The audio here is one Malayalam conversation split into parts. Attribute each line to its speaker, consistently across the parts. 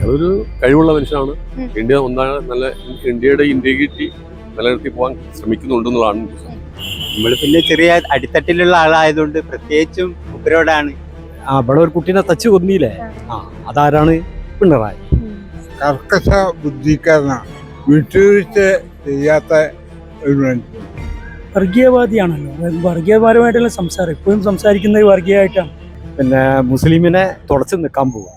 Speaker 1: അതൊരു കഴിവുള്ള മനുഷ്യനാണ്. ഇന്ത്യ ഒന്നാണ് നല്ല ഇന്ത്യയുടെ ഇന്റഗ്രിറ്റി നിലനിർത്തി പോകാൻ ശ്രമിക്കുന്നുണ്ടെന്നുള്ളതാണ്.
Speaker 2: നമ്മൾ പിന്നെ ചെറിയ അടിത്തട്ടിലുള്ള ആളായതുകൊണ്ട് പ്രത്യേകിച്ചും ഉപരോടാണ്.
Speaker 3: ഇവിടെ ഒരു കുട്ടീനെ തച്ച് കൊന്നില്ലേ, അതാരാണ്? പിണറായി.
Speaker 4: കർക്കശ ബുദ്ധിക്കാരനാണ്, വിട്ടുവീഴ്ച ചെയ്യാത്ത ഒരു മനുഷ്യൻ.
Speaker 3: വർഗീയവാദിയാണല്ലോ, വർഗീയപരമായിട്ടുള്ള സംസാരം എപ്പോഴും സംസാരിക്കുന്നത് വർഗീയമായിട്ടാണ്. പിന്നെ മുസ്ലിമിനെ തുടച്ച് നിൽക്കാൻ പോവുക.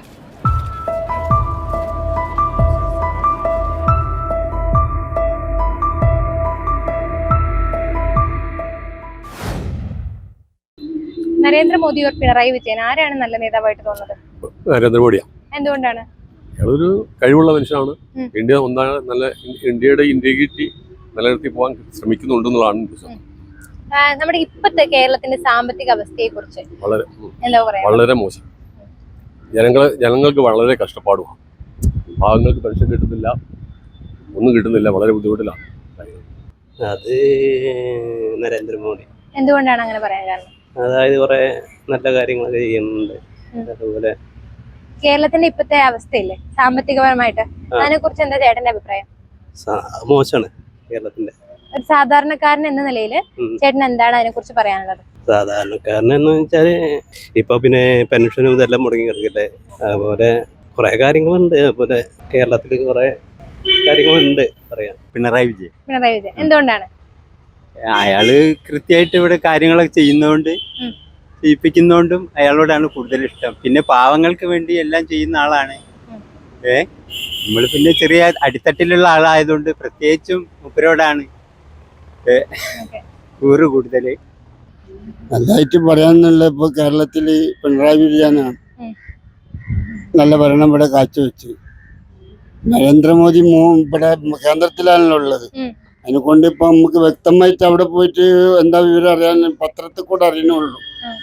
Speaker 5: നരേന്ദ്രമോദി ഓർ പിണറായി വിജയൻ ആരാണ് നല്ല നേതാവായിട്ട് തോന്നുന്നത്?
Speaker 1: നരേന്ദ്രമോദിയാണ്.
Speaker 5: എന്തുകൊണ്ടാണ്?
Speaker 1: അതൊരു കഴിവുള്ള മനുഷ്യനാണ്. ഇന്ത്യ ഒന്നാണ് നല്ല ഇന്ത്യയുടെ ഇന്റഗ്രിറ്റി നിലനിർത്തി പോകാൻ ശ്രമിക്കുന്നുണ്ടെന്നുള്ളതാണ്.
Speaker 5: നമ്മുടെ ഇപ്പോഴത്തെ കേരളത്തിന്റെ സാമ്പത്തിക അവസ്ഥയെ കുറിച്ച് എന്താ പറയാ?
Speaker 1: വളരെ മോശം. ജനങ്ങൾക്ക് വളരെ കഷ്ടപ്പാടുമാണ്. പാവങ്ങൾക്ക് പെൻഷൻ കിട്ടുന്നില്ല, ഒന്നും കിട്ടുന്നില്ല, വളരെ ബുദ്ധിമുട്ടിലാണ്.
Speaker 6: അത് നരേന്ദ്രമോദി.
Speaker 5: എന്തുകൊണ്ടാണ് അങ്ങനെ പറയാൻ കാരണം?
Speaker 6: അതായത് കുറെ നല്ല കാര്യങ്ങളൊക്കെ ചെയ്യുന്നുണ്ട്. അതുപോലെ
Speaker 5: കേരളത്തിന്റെ ഇപ്പോഴത്തെ അവസ്ഥയില്ലേ സാമ്പത്തികപരമായിട്ട്, അതിനെ കുറിച്ച് എന്താ ചേട്ടന്റെ അഭിപ്രായം?
Speaker 6: മോശമാണ് കേരളത്തിന്റെ.
Speaker 5: ഒരു സാധാരണക്കാരൻ എന്ന നിലയിൽ ചേട്ടൻ എന്താണ് അതിനെ കുറിച്ച് പറയാനുള്ളത്?
Speaker 6: സാധാരണക്കാരനെന്ന് വെച്ചാല് ഇപ്പൊ പിന്നെ പെൻഷനും ഇതെല്ലാം മുടങ്ങി കിടക്കില്ലേ, അതുപോലെ കുറെ കാര്യങ്ങളുണ്ട്. അതുപോലെ കേരളത്തിൽ കുറെ കാര്യങ്ങളുണ്ട് പറയാം.
Speaker 2: പിണറായി വിജയൻ.
Speaker 5: പിണറായി വിജയൻ എന്തുകൊണ്ടാണ്?
Speaker 2: അയാള് കൃത്യമായിട്ട് ഇവിടെ കാര്യങ്ങളൊക്കെ ചെയ്യുന്നതുകൊണ്ട്, ചെയ്യിപ്പിക്കുന്നതുകൊണ്ടും അയാളോടാണ് കൂടുതൽ ഇഷ്ടം. പിന്നെ പാവങ്ങൾക്ക് വേണ്ടി എല്ലാം ചെയ്യുന്ന ആളാണ്. നമ്മൾ പിന്നെ ചെറിയ അടിത്തട്ടിലുള്ള ആളായതുകൊണ്ട് പ്രത്യേകിച്ചും ഉപരോടാണ് കൂറ് കൂടുതൽ.
Speaker 4: നല്ലതായിട്ട് പറയാന്നുള്ള ഇപ്പൊ കേരളത്തില് പിണറായി വിജയനാണ് നല്ല ഭരണം ഇവിടെ കാഴ്ചവെച്ച്. നരേന്ദ്രമോദി ഇവിടെ കേന്ദ്രത്തിലാണല്ലോ ഉള്ളത്. അതിനെക്കൊണ്ട് ഇപ്പൊ നമുക്ക് വ്യക്തമായിട്ട് അവിടെ പോയിട്ട് എന്താ വിവരം അറിയാൻ പത്രത്തിൽ കൂടെ അറിയണുള്ളൂ.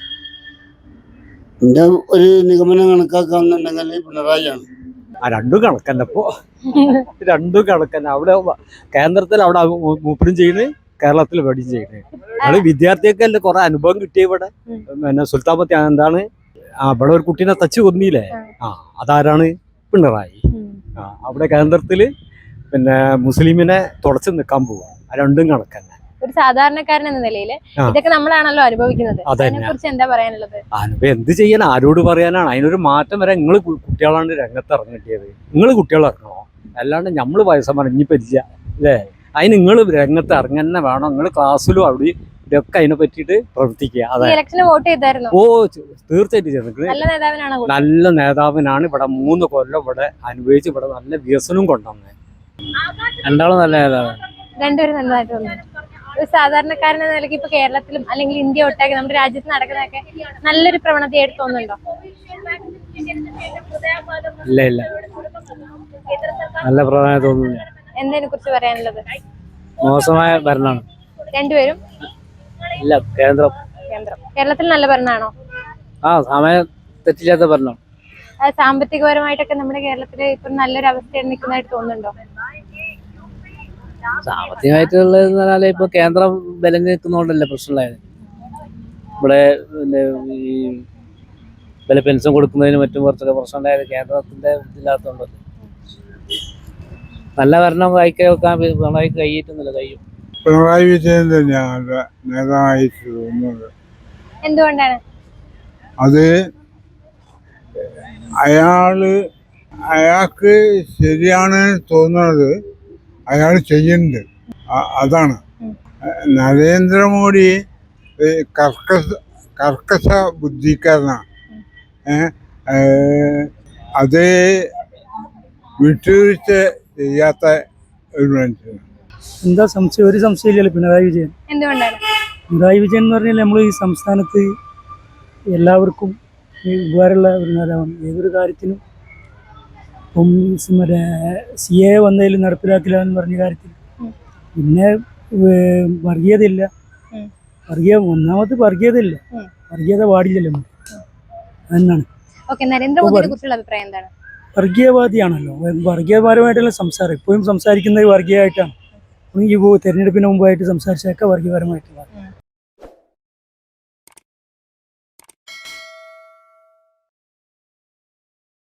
Speaker 4: എന്റെ ഒരു നിഗമനം കണക്കാക്കാന്നുണ്ടെങ്കിൽ പിണറായിയാണ്.
Speaker 3: രണ്ടും കണക്കന്നെ. ഇപ്പോ രണ്ടും കണക്കന്നെ. അവിടെ കേന്ദ്രത്തിൽ അവിടെ മൂപ്പരും ചെയ്യുന്നത്, കേരളത്തിൽ വെടിയും ചെയ്യുന്നത്. അത് വിദ്യാർത്ഥിയൊക്കെ കുറെ അനുഭവം കിട്ടിയ ഇവിടെ. പിന്നെ സുൽത്താൻപത്തി എന്താണ്, ഇവിടെ ഒരു കുട്ടീനെ തച്ച് കൊന്നില്ലേ, അതാരാണ്? പിണറായി. അവിടെ കേന്ദ്രത്തില് പിന്നെ മുസ്ലിമിനെ തുടച്ച് നിൽക്കാൻ പോവുക. രണ്ടും കണക്കന്നെ.
Speaker 5: ഒരു സാധാരണക്കാരൻ എന്ന നിലയിൽ ഇതൊക്കെ നമ്മളാണല്ലോ അനുഭവിക്കുന്നത്. അതിനെക്കുറിച്ച് എന്താ പറയാനുള്ളത്?
Speaker 3: അനുഭവം എന്ത് ചെയ്യാൻ, ആരോട് പറയാനാണ്? അതിനൊരു മാറ്റം വരാൻ നിങ്ങൾ കുട്ടികളാണ് രംഗത്ത് ഇറങ്ങിട്ടിയത്. നിങ്ങൾ കുട്ടികൾ ഇറങ്ങണോ? അല്ലാണ്ട് നമ്മള് വയസ്സന്മാർ ഇനിയിപ്പില്ല അല്ലേ? അതിന് നിങ്ങൾ രംഗത്ത് ഇറങ്ങന്നെ വേണം. നിങ്ങൾ ക്ലാസ്സിലും അവിടെ ഇതൊക്കെ അതിനെ പറ്റിയിട്ട് പ്രവർത്തിക്കുക. ഓ തീർച്ചയായിട്ടും നല്ല നേതാവിനാണ്. ഇവിടെ 3 കൊല്ലം ഇവിടെ അനുഭവിച്ച് ഇവിടെ നല്ല വികസനവും കൊണ്ടുവന്നത്. രണ്ടാളും നല്ല നേതാവാണ്.
Speaker 5: രണ്ടുപേരും നല്ലതായിട്ട് തോന്നുന്നു. ഒരു സാധാരണക്കാരൻ എന്ന നിലയ്ക്ക് ഇപ്പൊ കേരളത്തിലും അല്ലെങ്കിൽ ഇന്ത്യ ഒട്ടാകെ നമ്മുടെ രാജ്യത്ത് നടക്കുന്നതൊക്കെ നല്ലൊരു പ്രവണതയായിട്ട് തോന്നുന്നുണ്ടോ?
Speaker 3: ഇല്ല ഇല്ല, നല്ല പ്രവണത തോന്നുന്നു.
Speaker 5: എന്തതിനെ കുറിച്ച് പറയാനുള്ളത്?
Speaker 3: മോശമായ ഭരണമാണ്
Speaker 5: രണ്ടുപേരും.
Speaker 3: ഇല്ല,
Speaker 5: കേരളത്തിൽ നല്ല ഭരണമാണോ?
Speaker 3: സമയം തെറ്റില്ലാത്ത ഭരണം.
Speaker 5: സാമ്പത്തികപരമായിട്ടൊക്കെ നമ്മുടെ കേരളത്തില് ഇപ്പൊ നല്ലൊരു അവസ്ഥയിൽ നിൽക്കുന്നതായിട്ട് തോന്നുന്നുണ്ടോ?
Speaker 3: സാമ്പത്തികമായിട്ടുള്ളതെന്ന് പറഞ്ഞാൽ ഇപ്പൊ കേന്ദ്രം വിലങ്ങ് നിൽക്കുന്നതുകൊണ്ടല്ലേ പ്രശ്നമുണ്ടായത്. ഇവിടെ ഈ വില പെൻഷൻ കൊടുക്കുന്നതിന് മറ്റും കുറച്ചൊക്കെ പ്രശ്നം ഉണ്ടായത് കേന്ദ്രത്തിന്റെ ഇതില്ലാത്തതുകൊണ്ട്. നല്ല ഭരണം വായിക്കാൻ പിണറായി കഴിയിട്ടുന്നില്ല. കഴിയും.
Speaker 4: പിണറായി വിജയൻ തന്നെയാണ് നേതാവായിട്ട് തോന്നുന്നത്.
Speaker 5: എന്തുകൊണ്ടാണ്?
Speaker 4: അത് അയാൾക്ക് ശരിയാണ് തോന്നുന്നത് അയാൾ ചെയ്യുന്നുണ്ട്, അതാണ്. നരേന്ദ്രമോദി കർക്കശ ബുദ്ധിക്കാരനാണ്. അത് വിട്ടുവീഴ്ച ചെയ്യാത്ത ഒരു മനുഷ്യനാണ്.
Speaker 3: എന്താ സംശയം? ഒരു സംശയമില്ലല്ലോ പിണറായി വിജയൻ.
Speaker 5: എന്തുകൊണ്ടാണ്?
Speaker 3: പിണറായി വിജയൻ എന്ന് പറഞ്ഞാൽ നമ്മൾ ഈ സംസ്ഥാനത്ത് എല്ലാവർക്കും ഉപകാരമുള്ള ഒരു നേതാവാണ്. ഏതൊരു കാര്യത്തിനും. ഇപ്പം മറ്റേ CA വന്നതിൽ നടപ്പിലാക്കില്ല എന്ന് പറഞ്ഞ കാര്യത്തിൽ. പിന്നെ വർഗീയതയില്ല. ഒന്നാമത് വർഗീയതയില്ല, വർഗീയത പാടില്ലല്ലോ. അതെന്നാണ്. വർഗീയവാദിയാണല്ലോ, വർഗീയപരമായിട്ടുള്ള സംസാരം എപ്പോഴും സംസാരിക്കുന്നത് വർഗീയമായിട്ടാണ്. ഈ തെരഞ്ഞെടുപ്പിന് മുമ്പായിട്ട് സംസാരിച്ചതൊക്കെ വർഗീയപരമായിട്ടുള്ള